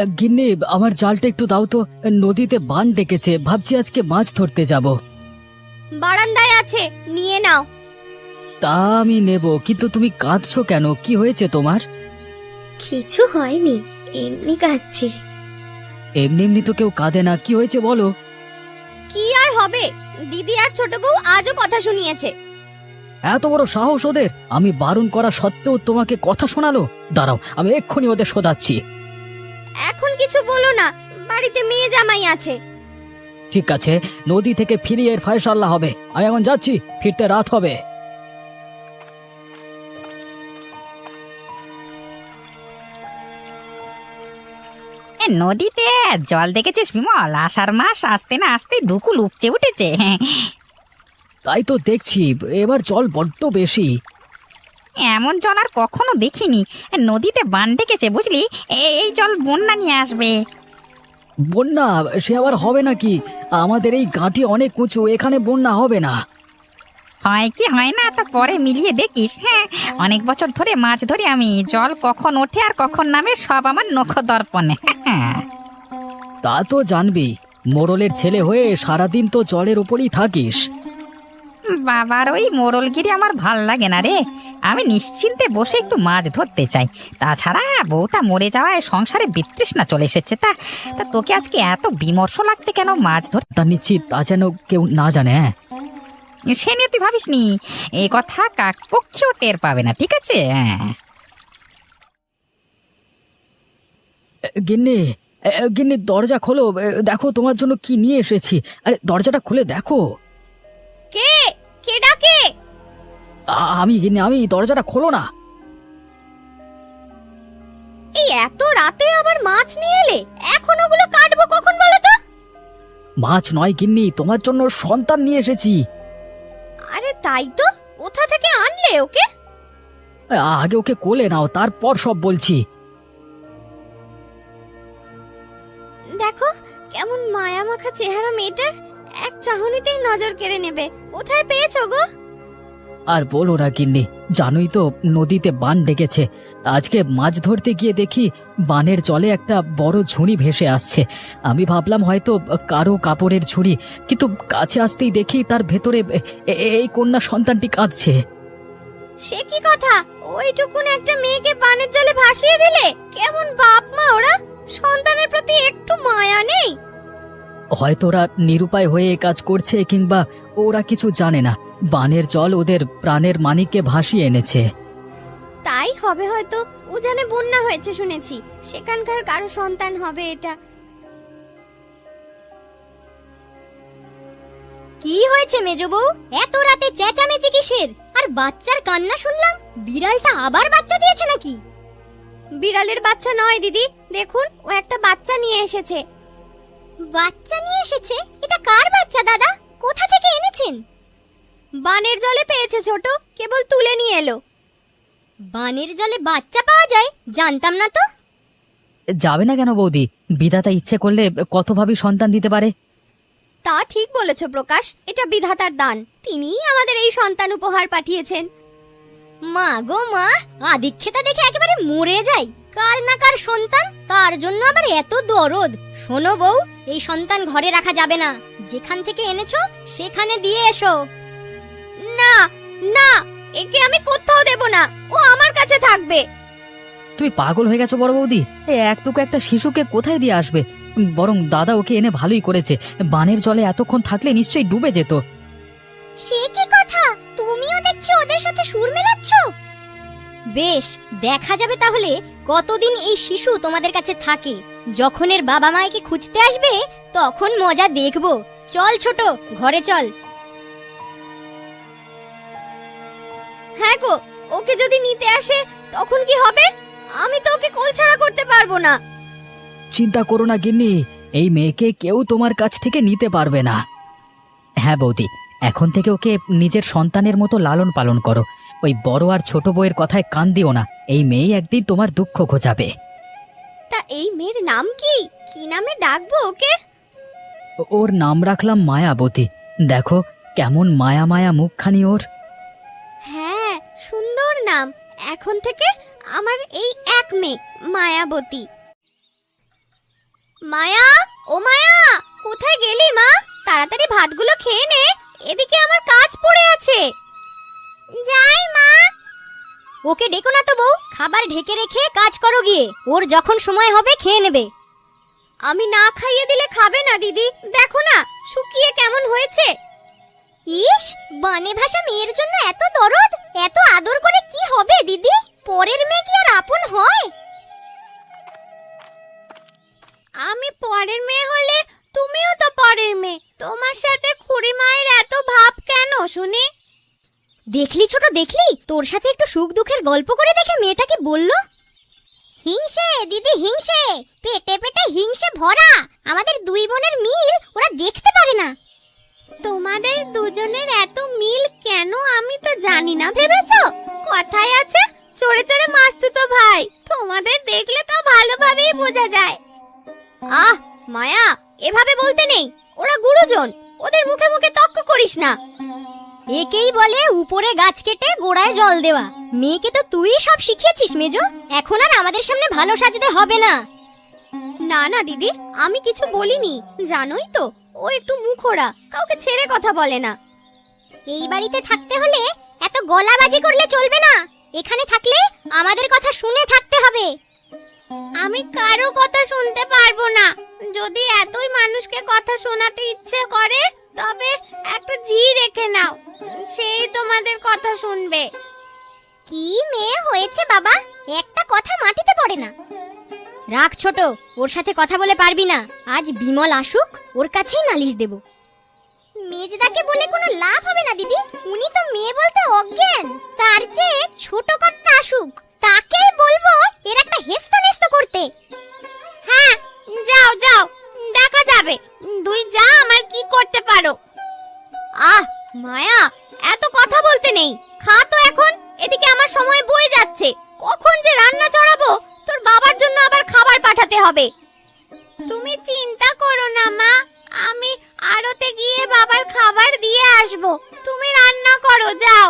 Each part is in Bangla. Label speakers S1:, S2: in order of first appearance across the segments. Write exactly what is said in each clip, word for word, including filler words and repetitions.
S1: গিন্নি, আমার জালটা একটু দাও তো। নদীতে বান ডেকেছে, ভাবছি আজকে মাছ ধরতে যাব।
S2: বারান্দায় আছে, নিয়ে নাও।
S1: তা আমি নেব, কিন্তু তুমি কাঁদছো কেন? কি হয়েছে তোমার?
S2: কিছু হয়নি, এমনি কাঁদছি।
S1: এমনি এমনি তো কেউ কাঁদে না, কি হয়েছে বলো।
S2: কি আর হবে, দিদি আর ছোট বউ আজও কথা শুনিয়েছে।
S1: এত বড় সাহস ওদের! আমি বারণ করা সত্ত্বেও তোমাকে কথা শোনালো। দাঁড়াও, আমি এক্ষুনি ওদের শোধাচ্ছি।
S2: এখন কিছু বলো না, বাড়িতে মেয়ে জামাই আছে।
S1: ঠিক আছে, নদী থেকে ফিরিয়ে এর ফয়সাল্লা হবে। আমি এখন যাচ্ছি, ফিরতে রাত হবে।
S3: নদীতে জল দেখেছিস বিমল? আষাঢ় মাস আসতে না আসতে দুকুল উপচে উঠেছে।
S1: তাই তো দেখছি, এবার জল বড্ড বেশি।
S3: এমন জল আর কখনো দেখিনি। নদীতে বান ডেকেছে বুঝলি, এ- এই জল বন্যা নিয়ে আসবে।
S1: বন্যা? সে আবার হবে নাকি? আমাদের এই ঘাঁটি অনেক উঁচু, এখানে বন্যা হবে না।
S3: হয় কি হয় না তা পরে মিলিয়ে দেখিস। হ্যাঁ, অনেক বছর ধরে মাছ ধরি আমি, জল কখন ওঠে আর কখন নামে সব আমার নখ দর্পণে।
S1: তা তো জানবি, মোড়লের ছেলে হয়ে সারাদিন তো জলের উপরই থাকিস।
S3: বাবার ওই মোড়লগিরি আমার ভাল লাগে না রে। আমি নিশ্চিন্তে বসে একটু মাছ ধরতে চাই। তাছাড়া বউটা মরে যাওয়ায় সংসারে বিতৃষ্ণা চলে এসেছে। তা তা তোকে আজকে এত বিমর্ষ লাগছে কেন মাছ ধর?
S1: তা নিশ্চিত তা যেন কেউ না জানে। হ্যাঁ,
S3: সে নিয়ে তুই ভাবিস নি, এ কথা কাক পক্ষেও টের পাবে না, ঠিক আছে? হ্যাঁ,
S1: গিন্নি, এ, গিন্নি দরজা খোলো। এ, দেখো তোমার জন্য কি নিয়ে এসেছি। আরে দরজাটা খুলে দেখো।
S2: কে কে ডাকে?
S1: আ- আমি গিন্নি, আমি। দরজাটা খোলো না।
S2: এই এত রাতে আবার মাছ নিয়ে এলে, এখন ওগুলো কাটবো কখন বলো তো?
S1: মাছ নয় গিন্নি, তোমার জন্য সন্তান নিয়ে এসেছি।
S2: আরে তাই তো, কোথা থেকে আনলে ওকে?
S1: আ- আগে ওকে কোলে নাও, তারপর সব বলছি।
S2: দেখো কেমন মায়া মাখা চেহারা মেয়েটার, এক চাহনিতেই নজর কেড়ে নেবে। কোথায় পেয়েছো গো?
S1: আর বলো না গিন্নি, জানোই তো নদীতে বান ডেকেছে। আজকে মাছ ধরতে গিয়ে দেখি বানের জলে একটা বড় ঝুড়ি ভেসে আসছে। আমি ভাবলাম হয়তো কারো কাপড়ের ঝুড়ি, কিন্তু কাছে আসতেই দেখি তার ভেতরে এ- এ- এই কন্যা সন্তানটি কাঁদছে।
S2: সে কি কথা, ওইটুকুন একটা মেয়েকে পানের জলে ভাসিয়ে দিলে? কেমন বাপ মা ওরা, সন্তানের প্রতি একটু মায়া নেই?
S1: হয়তো ওরা নিরুপায় হয়ে এ কাজ করছে, কিংবা ওরা কিছু জানে না বানের জল ওদের প্রাণের মানিককে ভাসিয়ে এনেছে।
S2: তাই হবে হয়তো। উজানে বন্যা হয়েছে শুনেছি, সেখানকার কারো সন্তান হবে এটা।
S4: কি হয়েছে মেজো বউ? এত রাতে চেঁচামেচি কিসের? আর বাচ্চার কান্না শুনলাম, বিড়ালটা আবার বাচ্চা দিয়েছে নাকি?
S2: বিড়ালের বাচ্চা নয় দিদি, দেখুন ও একটা বাচ্চা নিয়ে এসেছে।
S4: বাচ্চা নিয়ে এসেছে? এটা কার বাচ্চা দাদা? কোথা থেকে এনেছেন?
S2: বানের জলে পেয়েছে ছোট, কেবল তুলে নিয়ে এলো।
S4: বানের জলে বাচ্চা পাওয়া যায়? জানতাম না তো।
S1: যাবে না কেন বৌদি? বিধাতা ইচ্ছে করলে কতভাবে সন্তান দিতে পারে।
S2: তা ঠিক বলেছ প্রকাশ, এটা বিধাতার দান। তিনিই আমাদের এই সন্তান উপহার পাঠিয়েছেন।
S4: মা গো মা, আদিক্ষেতা দেখে একেবারে মরে যাই। কার না কার সন্তান, তার জন্য আবার এত দরদ। শোনো বউ, এই সন্তান ঘরে রাখা যাবে না। যেখান থেকে এনেছো সেখানে দিয়ে এসো।
S2: না না, একে আমি কোথাও দেব না, ও আমার কাছে থাকবে।
S1: তুমি পাগল হয়ে গেছো বড় বৌদি? এই একটুকু একটা শিশুকে কোথায় দিয়ে আসবে? বরং দাদা ওকে এনে ভালোই করেছে। বানের জলে এতক্ষণ থাকলে নিশ্চয়ই ডুবে যেত।
S4: সে কি কথা, তুমিও দেখছি ওদের সাথে সুর মেলাচ্ছ। বেশ, দেখা যাবে তাহলে কতদিন এই শিশু তোমাদের কাছে থাকে। যখন এর বাবা মাকে খুঁজতে আসবে তখন মজা দেখবো। চল ছোট, ঘরে চল।
S2: হ্যাঁ গো, ওকে যদি নিতে আসে তখন কি হবে? আমি তো ওকে কোলছাড়া করতে পারবো না।
S1: চিন্তা করো না গিন্নি, এই মেয়েকে কেউ তোমার কাছ থেকে নিতে পারবে না। হ্যাঁ বৌদি, এখন থেকে ওকে নিজের সন্তানের মতো লালন পালন করো। ওই বড় আর ছোট বউয়ের কথায় কান দিও না। এই মেয়ে একদিন তোমার দুঃখ ঘোচাবে।
S2: তা এই মেয়ের নাম কি? কি নামে ডাকবো ওকে?
S1: ও- ওর নাম রাখলাম মায়াবতী। দেখো কেমন মায়া মায়া মুখখানি ওর।
S2: হ্যাঁ, সুন্দর নাম। এখন থেকে আমার এই এক মেয়ে মায়াবতী। মায়া, ও মায়া, কোথায় গেলি মা? তাড়াতাড়ি ভাতগুলো খেয়ে নে, এদিকে আমার কাজ পড়ে আছে। যাই মা।
S4: ওকে ডেকো না তো বউ, খাবার ঢেকে রেখে কাজ করো গিয়ে, ওর যখন সময় হবে খেয়ে নেবে।
S2: আমি না খাইয়ে দিলে খাবে না দিদি, দেখো না শুকিয়ে কেমন হয়েছে।
S4: ইস, বানে ভাষা মেয়ের জন্য এত দরদ, এত আদর করে কি হবে দিদি? পরের মেয়ে কি আর আপন হয়?
S2: আমি পরের মেয়ে হলে তুমিও তো পরের মেয়ে, তোমার সাথে খুড়ি মায়ের এত ভাব কেন শুনি?
S4: দেখলি ছোট, দেখলি তোর সাথে একটু সুখ দুঃখের গল্প করে দেখে মেয়েটা কি বললো। হিংসে দিদি, হিংসে, পেটে পেটে হিংসে ভরা। আমাদের দুই বোনের মিল ওরা দেখতে পারে না।
S2: তোমাদের দুজনের এত মিল কেন আমি তো জানি না ভেবেছো? কথায় আছে চোরে চোরে মাসতুতো ভাই, তোমাদের দেখলে তো ভালোভাবেই বোঝা যায়। আহ মায়া, এভাবে বলতে নেই, ওরা গুরুজন, ওদের মুখে মুখে তর্ক করিস না।
S4: একেই বলে উপরে গাছ কেটে গোড়ায় জল দেওয়া। মেয়েকে তো তুই সব শিখিয়েছিস মেজো, এখন আর আমাদের সামনে ভালো সাজতে হবে না।
S2: না না দিদি, আমি কিছু বলিনি, জানোই তো ও একটু মুখোরা, কাউকে ছেড়ে কথা বলে না।
S4: এই বাড়িতে থাকতে হলে এত গলাবাজি করলে চলবে না। এখানে থাকলে আমাদের কথা শুনে থাকতে হবে।
S2: আমি কারো কথা শুনতে পারবো না। যদি এতই মানুষকে কথা শোনাতে ইচ্ছে করে তবে একটা জি রেখে নাও, সেই তোমাদের কথা শুনবে।
S4: কি মেয়ে হয়েছে বাবা, একটা কথা মাটিতে পড়ে না। রাখ ছোট, ওর সাথে কথা বলে পারবি না। আজ বিমল আসুক, ওর কাছেই নালিশ দেব। মেজদাকে বলে কোনো লাভ হবে না দিদি, উনি তো মেয়ে বলতে অজ্ঞান। তার চেয়ে ছোট কর্তা আসুক, তাকেই বলবো এর একটা হেস্ত নেস্ত করতে।
S2: হ্যাঁ যাও যাও, দেখা যাবে দুই যা আমার কি করতে পারো। আহ মায়া, এত কথা বলতে নেই, খা তো এখন, এদিকে আমার সময় বয়ে যাচ্ছে। কখন যে রান্না চড়াবো, তোর বাবার জন্য আবার খাবার পাঠাতে হবে। তুমি চিন্তা করো না মা, আমি আড়তে গিয়ে বাবার খাবার দিয়ে আসবো, তুমি রান্না করো যাও।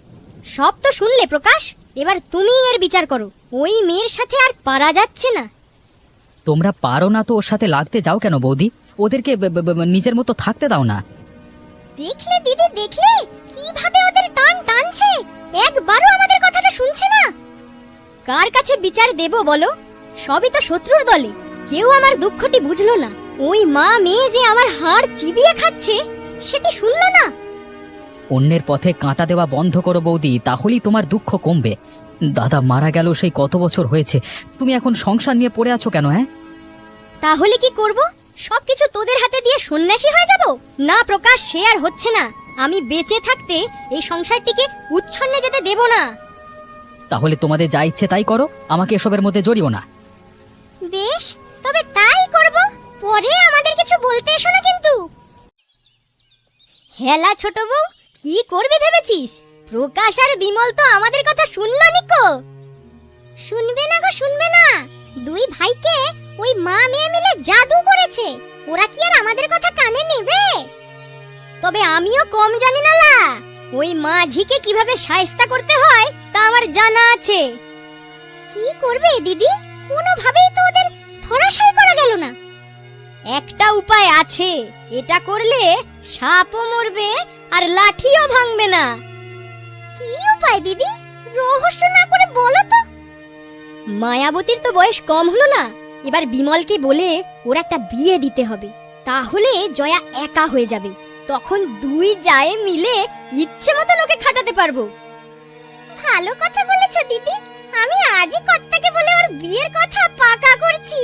S4: সব তো শুনলে প্রকাশ, এবার তুমি এর বিচার করো। ওই মেয়ের সাথে আর পারা যাচ্ছে না।
S1: তোমরা পারো না তো ওর সাথে লাগতে যাও কেন বৌদি? ওদেরকে ব- ব- ব- নিজের মতো থাকতে দাও না।
S4: দেখলে দিদি, দেখলে কিভাবে ওদের টান টানছে, একবারও আমাদের কথাটা শুনছে না। কার কাছে বিচার দেব বলো? সবই তো শত্রুর দলে। কেউ আমার দুঃখটি বুঝলো না। ওই মা মেয়ে যে আমার হাড় চিবিয়ে খাচ্ছে, সেটি শুনলো না।
S1: অন্যের পথে কাঁটা দেওয়া বন্ধ করো বৌদি, তাহলেই তোমার দুঃখ কমবে। দাদা মারা গেল সেই কত বছর হয়েছে, তুমি এখন সংসার নিয়ে পড়ে আছো কেন? হ্যাঁ,
S4: তাহলে কি করব? সবকিছু তোদের হাতে দিয়ে সন্ন্যাসী হয়ে যাব? না প্রকাশ, সে আর হচ্ছে না। আমি বেঁচে থাকতে এই সংসারটিকে উচ্ছন্নে যেতে দেব না।
S1: তাহলে তোমাদের যা ইচ্ছে তাই করো, আমাকে এসবের মধ্যে জড়িও না।
S4: বেশ, তবে তাই করব। পরে আমাদের কিছু বলতে এসো না কিন্তু। হেলা ছোট বউ, কি করবে ভেবেছিস? প্রকাশ আর বিমল তো আমাদের কথা শুনলো নিকো। শুনবে না গো, শুনবে না। দুই ভাইকে ওই মা মেয়ে মিলে জাদু করেছে, ওরা কি আর আমাদের কথা কানে নেবে? তবে আমিও কম জানি না লা, ওই মাঝিকে কিভাবে শায়েস্তা করতে হয় তা আমার জানা আছে। কি করবে দিদি? কোনোভাবেই তো ওদের ধরাশায়ী করা গেল না। একটা উপায় আছে, এটা করলে সাপও মরবে আর লাঠিও ভাঙবে না। কি উপায় দিদি? রহস্য না করে বলো তো। মায়াবতীর তো বয়স কম হলো না, এবার বিমলকে বলে ওর একটা বিয়ে দিতে হবে। তাহলে জয়া একা হয়ে যাবে, তখন দুই জায়ে মিলে ইচ্ছে মতো ওকে খাটাতে পারবো। ভালো কথা বলেছো দিদি, আমি আজই কর্তাকে বলে ওর বিয়ের কথা পাকা করছি।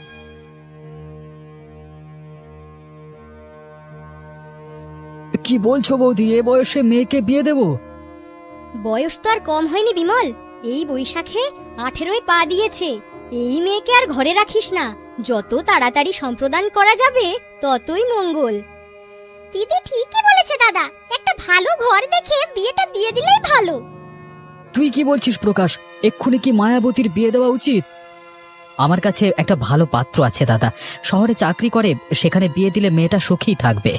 S1: কি বলছো বৌদি, এ বয়সে মেয়েকে বিয়ে দেব?
S4: বয়স তো আর কম হয়নি বিমল, এই বৈশাখে আঠেরোয় পা দিয়েছে। এই মেয়েকে আর ঘরে রাখিস না, যত তাড়াতাড়ি সম্প্রদান করা যাবে ততই মঙ্গল। দিদি ঠিকই বলেছে দাদা, একটা ভালো ঘর দেখে বিয়েটা দিয়ে দিলেই ভালো।
S1: তুই কি বলছিস প্রকাশ, এক্ষুনি কি মায়াবতীর বিয়ে দেওয়া উচিত? আমার কাছে একটা ভালো পাত্র আছে দাদা, শহরে চাকরি করে, সেখানে বিয়ে দিলে মেয়েটা সুখী থাকবে।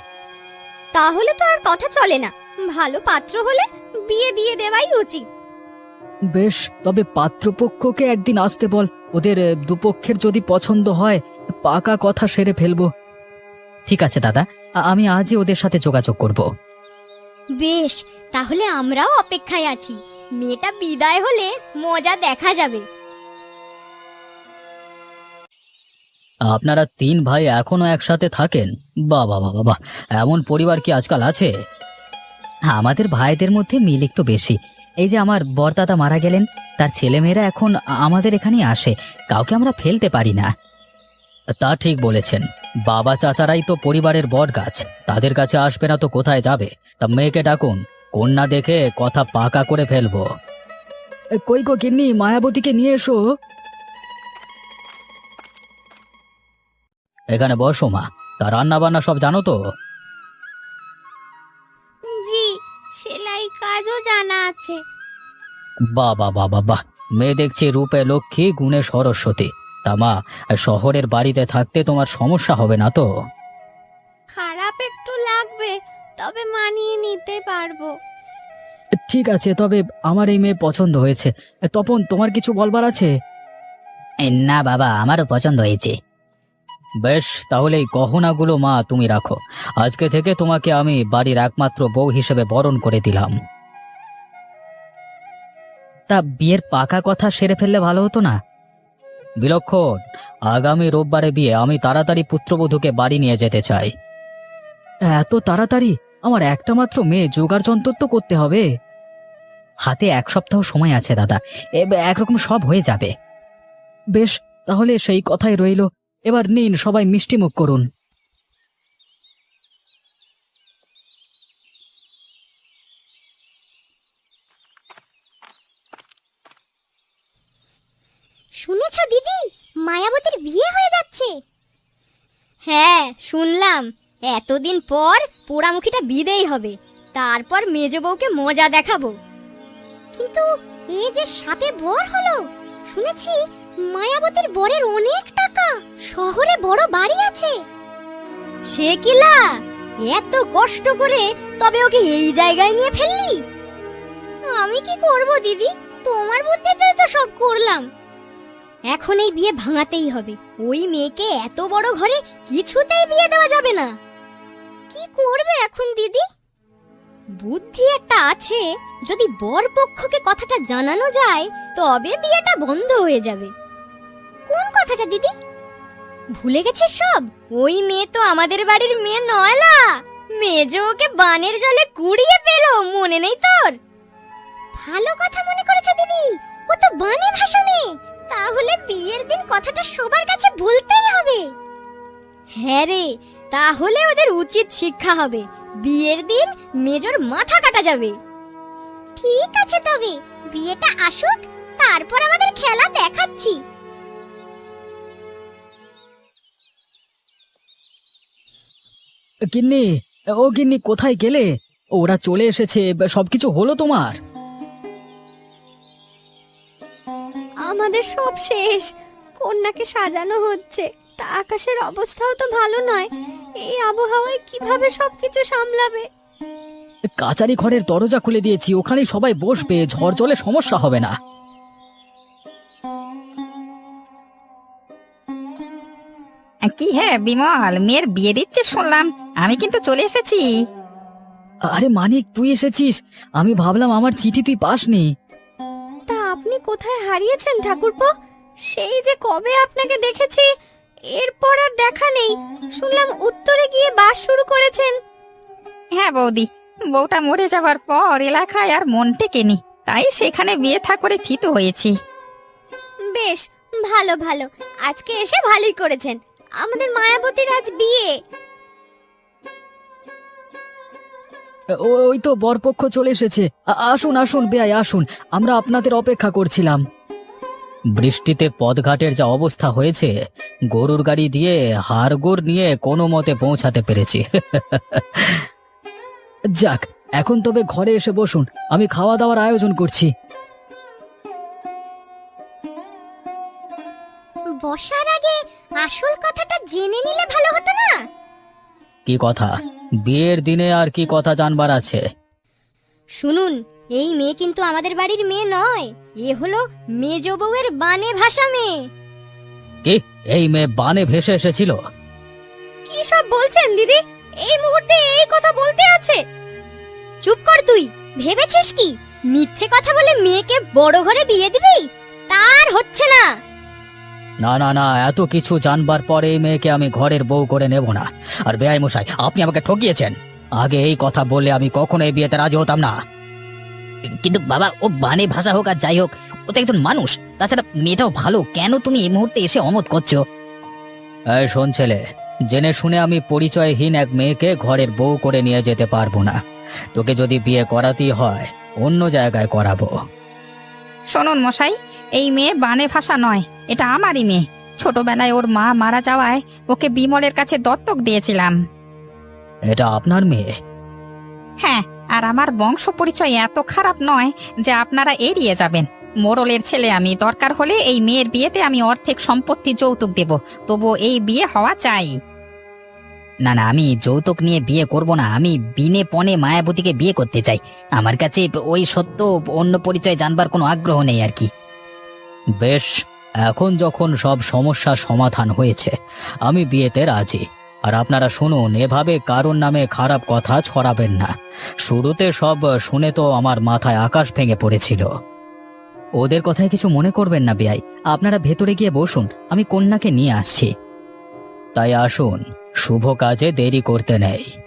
S2: তাহলে তো আর কথা চলে না, ভালো পাত্র হলে বিয়ে দিয়ে দেওয়াই উচিত।
S1: বেশ, তবে পাত্রপক্ষকে একদিন আসতে বল। ওদের আহ, দুপক্ষের যদি পছন্দ হয় পাকা কথা সেরে ফেলবো। ঠিক আছে দাদা, আ- আমি আজই ওদের সাথে যোগাযোগ করব।
S4: বেশ, তাহলে আমরাও অপেক্ষায় আছি। মেয়েটা বিদায় হলে মজা দেখা যাবে।
S1: আপনারা তিন ভাই এখনো একসাথে থাকেন? বাবা বাবা বাবা, এমন পরিবার কি আজকাল আছে? আমাদের ভাইদের মধ্যে মিল একটু বেশি। এই যে আমার বড়দাদা মারা গেলেন, তার ছেলেমেয়েরা এখন আ- আমাদের এখানেই আসে। কাউকে আমরা ফেলতে পারি না। তা ঠিক বলেছেন, বাবা চাচারাই তো পরিবারের বট গাছ, তাদের কাছে আসবে না তো কোথায় যাবে? তা মেয়েকে ডাকুন, কন্যা দেখে কথা পাকা করে ফেলবো। কই গো গিন্নি, মায়াবতীকে নিয়ে এসো। এখানে বসো মা। তা রান্না বান্না সব জানো তো?
S2: জি, সেলাই কাজও জানা আছে।
S1: বাবা বাবা বাহ, মেয়ে দেখছি রূপে লক্ষ্মী, গুণে সরস্বতী। তা মা, শহরের বাড়িতে থাকতে তোমার সমস্যা হবে না তো?
S2: খারাপ একটু লাগবে, তবে মানিয়ে নিতে পারবো।
S1: ঠিক আছে, তবে আমার এই মেয়ে পছন্দ হয়েছে। তপন, তোমার কিছু বলবার আছে? না বাবা, আমারও পছন্দ হয়েছে। বেশ, তাহলে এই গহনাগুলো মা তুমি রাখো। আজকে থেকে তোমাকে আমি বাড়ির একমাত্র বউ হিসেবে বরণ করে দিলাম। তা বিয়ের পাকা কথা সেরে ফেললে ভালো হতো না? বিলক্ষণ, আগামী রোববারে বিয়ে, আমি তাড়াতাড়ি পুত্রবধূকে বাড়ি নিয়ে যেতে চাই। এত তাড়াতাড়ি? আমার একটা মাত্র মেয়ে, জোগাড় যন্ত্র তো করতে হবে। হাতে এক সপ্তাহ সময় আছে দাদা, এ- একরকম সব হয়ে যাবে। বেশ, তাহলে সেই কথাই রইল। এবার নিন, সবাই মিষ্টি মুখ করুন।
S4: শুনেছ দিদি, মায়াবতীর বিয়ে হয়ে যাচ্ছে? হ্যাঁ, শুনলাম। এতদিন পর পোড়ামুখীটা বিদেই হবে, তারপর মেজ বউকে মজা দেখাবো। কিন্তু এ যে সাপে বর হলো। শুনেছি মায়াবতীর বরের অনেক টাকা, শহরে বড় বাড়ি আছে। সে কিলা, এত কষ্ট করে তবে ওকে এই জায়গায় নিয়ে ফেললি? আমি কি করব দিদি, তোমার বুদ্ধিতে তো সব করলাম। এখন এই বিয়ে ভাঙাতেই হবে। ওই মেয়েকে এত বড় ঘরে কিছুতেই বিয়ে দেওয়া যাবে না। কি করবে এখন দিদি? বুদ্ধি একটা আছে, যদি বর পক্ষকে কথাটা জানানো যায় তবে বিয়েটা বন্ধ হয়ে যাবে। কোন কথাটা দিদি? ভুলে গেছিস সব? ওই মেয়ে তো আমাদের বাড়ির মেয়ে নয়লা। মেজ ওকে বানের জলে কুড়িয়ে পেল, মনে নেই তোর? ভালো কথা মনে করেছো দিদি, ও তো বানে ভাষা মেয়ে। তাহলে বিয়ের দিন কথাটা সবার কাছে বলতেই হবে। হ্যাঁ রে, তাহলে ওদের উচিত শিক্ষা হবে। বিয়ের দিন মেজর মাথা কাটা যাবে। ঠিক আছে, তবে বিয়েটা আসুক, তারপর আমাদের খেলা দেখাচ্ছি।
S1: গিন্নি, ও গিন্নি, কোথায় গেলে? ওরা চলে এসেছে, সবকিছু হলো তোমার?
S2: আমাদের সব শেষ, কন্যাকে সাজানো হচ্ছে। তা আকাশের অবস্থাও তো ভালো নয়, এই আবহাওয়ায় কিভাবে সবকিছু সামলাবে?
S1: কাচারি ঘরের দরজা খুলে দিয়েছি, ওখানেই সবাই বসবে, ঝড় জলে সমস্যা হবে না।
S3: কি হ্যাঁ বিমল, মেয়ের বিয়ে দিচ্ছে শুনলাম, আমি কিন্তু চলে এসেছি।
S1: আরে মানিক, তুই এসেছিস? আমি ভাবলাম আমার চিঠি তুই পাসনি।
S2: তা আপনি কোথায় হারিয়েছেন ঠাকুরপো? সেই যে কবে আপনাকে দেখেছি, এরপর আর দেখা নেই। শুনলাম উত্তরে গিয়ে বাস শুরু করেছেন।
S3: হ্যাঁ বৌদি, বউটা মরে যাবার পর এলাকায় আর মন টেকেনি, তাই সেখানে বিয়ে থা করে থিত হয়েছি।
S2: বেশ, ভালো ভালো, আজকে এসে ভালোই করেছেন। আমাদের মায়াবতীর আজ বিয়ে।
S1: ও- ওই তো বরপক্ষ চলে এসেছে। আ- আসুন আসুন বেয়াই, আসুন, আমরা আপনাদের অপেক্ষা করছিলাম। বৃষ্টিতে পথঘাটের যা অবস্থা হয়েছে, গরুর গাড়ি দিয়ে হাড়গোড় নিয়ে কোনো মতে পৌঁছাতে পেরেছি। যাক, এখন তবে ঘরে এসে বসুন, আমি খাওয়া দাওয়ার আয়োজন করছি।
S4: বসার আগে আসল কথাটা জেনে নিলে ভালো হতো না?
S1: কি কথা? বিয়ের দিনে আর কি কথা জানবার আছে?
S4: শুনুন, এই মেয়ে কিন্তু আমাদের বাড়ির মেয়ে নয়, এ হলো মেজ বউয়ের বানে ভাষা মেয়ে।
S1: কি এই মেয়ে বানে ভেসে এসেছিল?
S2: কি সব বলছেন দিদি? এই মুহূর্তে এই কথা বলতে আছে?
S4: চুপ কর তুই। ভেবেছিস কি মিথ্যে কথা বলে মেয়েকে বড় ঘরে বিয়ে দিবি? তার হচ্ছে না।
S1: না না না, এত কিছু জানবার পরে এই মেয়েকে আমি ঘরের বউ করে নেব না। আর বেআই মশাই, আপনি আমাকে ঠকিয়েছেন। আগে এই কথা বললে আমি কখনো এই বিয়েতে রাজি হতাম না। কিন্তু বাবা, ও বানে ভাষা হোক আর যাই হোক, ও তো একজন মানুষ। তাছাড়া মেয়েটাও ভালো, কেন তুমি এই মুহূর্তে এসে অমত করছো? এই শোন ছেলে, জেনে শুনে আমি পরিচয়হীন এক মেয়েকে ঘরের বউ করে নিয়ে যেতে পারবো না। তোকে যদি বিয়ে করাতেই হয় অন্য জায়গায় করাবো।
S3: শুনুন মশাই, এই মেয়ে বানে ভাষা নয়, এটা আমারই মেয়ে। ছোটবেলায় ওর মা মারা যাওয়ায় ওকে বিমলের কাছে দত্তক দিয়েছিলাম।
S1: এটা আপনার মেয়ে?
S3: হ্যাঁ, আর আমার বংশ পরিচয় এত খারাপ নয় যে আপনারা এড়িয়ে যাবেন। মোড়লের ছেলে আমি, দরকার হলে এই মেয়ের বিয়েতে আমি অর্ধেক সম্পত্তি যৌতুক দেব, তবু এই বিয়ে হওয়া চাই। না না, আমি যৌতুক নিয়ে বিয়ে করব না। আমি বিনে পণে মায়াবতীকে বিয়ে করতে চাই। আমার কাছে ওই সত্য অন্য পরিচয় জানবার কোনো আগ্রহ নেই আর কি। বেশ, এখন যখন সব সমস্যার সমাধান হয়েছে আমি বিয়েতে রাজি। আর আপনারা শুনুন, এভাবে কারোর নামে খারাপ কথা ছড়াবেন না। শুরুতে সব শুনে তো আমার মাথায় আকাশ ভেঙে পড়েছিল। ওদের কথায় কিছু মনে করবেন না বেয়াই, আপনারা ভেতরে গিয়ে বসুন, আমি কন্যাকে নিয়ে আসছি। তাই আসুন, শুভ কাজে দেরি করতে নেই।